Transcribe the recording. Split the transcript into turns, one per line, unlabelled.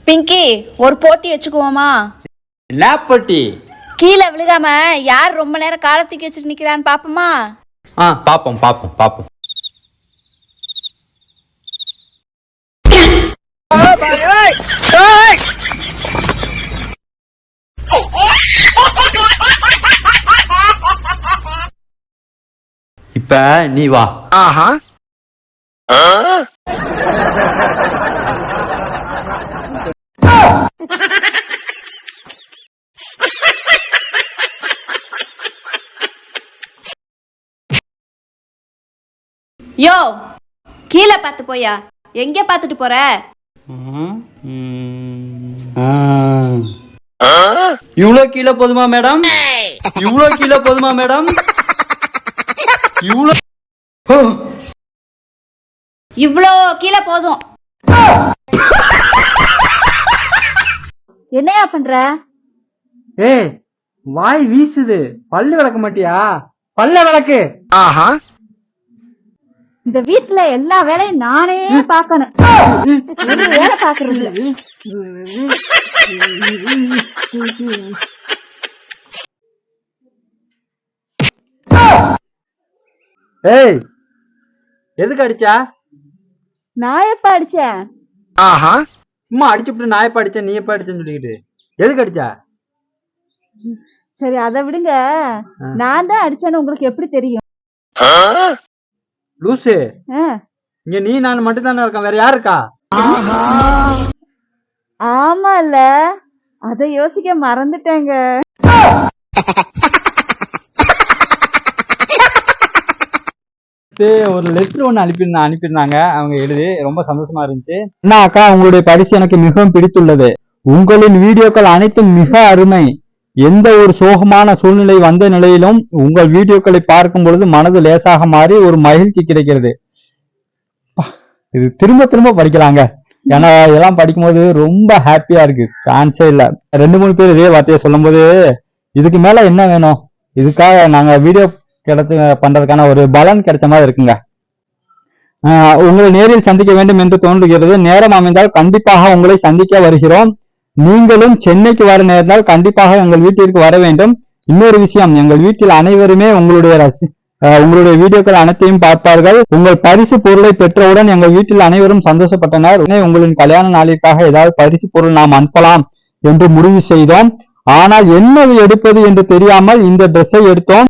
பிங்கி ஒரு போட்டி வச்சுக்குவோமா?
என்ன போட்டி?
கீழே விழுகாம யார் ரொம்ப நேரம் காலை தூக்கி வச்சுட்டு நிக்கிறான்னு பாப்போமா?
பாப்போம் பாப்போம் பாப்போம். இப்ப நீ வா.
யோ கீழே பார்த்து போயா, எங்க பார்த்துட்டு போற?
இவ்வளோ கீழே போதுமா மேடம்? இவ்வளோ கீழே போதுமா மேடம்?
இவ்வளோ கீழே போதும். என்னையா பண்ற?
ஏய் வாய் வீசுது, பல்லு விளக்க மாட்டியா? பல்ல விளக்கு.
இந்த வீட்டுல எல்லா வேலையும் நானே பாக்கணும், ஒரு வேலை பாக்குறது இல்ல.
ஏய் எதுக்கு அடிச்சா?
நான் எப்ப அடிச்சேன்?
சும்மா அடிச்சுட்டு நான் எப்ப அடிச்சேன், நீ எப்ப அடிச்சேன்னு சொல்லிக்கிட்டு எதுக்கு அடிச்சா?
சரி அதை விடுங்க, நான் தான் அடிச்சேன்னு உங்களுக்கு எப்படி தெரியும்?
லூசு, இங்க நீ நான் மட்டும் தானே இருக்கேன், வேற யாரு இருக்கா?
ஆமால, அத யோசிக்க மறந்துட்டேங்க.
ஒரு லெட்டர் ஒன்று அனுப்பியிருந்தாங்க, அவங்க எழுதி ரொம்ப சந்தோஷமா இருந்துச்சு. அண்ணா அக்கா, உங்களுடைய பரிசு எனக்கு மிகவும் பிடித்துள்ளது. உங்களின் வீடியோக்கள் அனைத்தும் மிக அருமை. எந்த ஒரு சோகமான சூழ்நிலை வந்த நிலையிலும் உங்கள் வீடியோக்களை பார்க்கும் பொழுது மனது லேசாக மாறி ஒரு மகிழ்ச்சி கிடைக்கிறது. இது திரும்ப திரும்ப படிக்கலாங்க, ஏன்னா இதெல்லாம் படிக்கும்போது ரொம்ப ஹாப்பியா இருக்கு, சான்ஸே இல்ல. 2-3 பேர் இதே வார்த்தையை சொல்லும் போது இதுக்கு மேல என்ன வேணும்? இதுக்காக நாங்க வீடியோ பண்றதுக்கான ஒரு பலன் கிடைச்ச மாதிரி இருக்குங்க. உங்களை நேரில் சந்திக்க வேண்டும் என்று தோன்றுகிறது. நேரம் அமைந்தால் கண்டிப்பாக உங்களை சந்திக்க வருகிறோம். நீங்களும் சென்னைக்கு வர நேர்ந்தால் கண்டிப்பாக எங்கள் வீட்டிற்கு வர வேண்டும். இன்னொரு விஷயம், எங்கள் வீட்டில் அனைவருமே உங்களுடைய வீடியோக்கள் அனைத்தையும் பார்ப்பார்கள். உங்கள் பரிசு பொருளை பெற்றவுடன் எங்கள் வீட்டில் அனைவரும் சந்தோஷப்பட்டனர். உங்களின் கல்யாண நாளிற்காக ஏதாவது பரிசு பொருள் நாம் அனுப்பலாம் என்று முடிவு செய்தோம். ஆனால் என்னது எடுப்பது என்று தெரியாமல் இந்த ட்ரெஸ்ஸை எடுத்தோம்.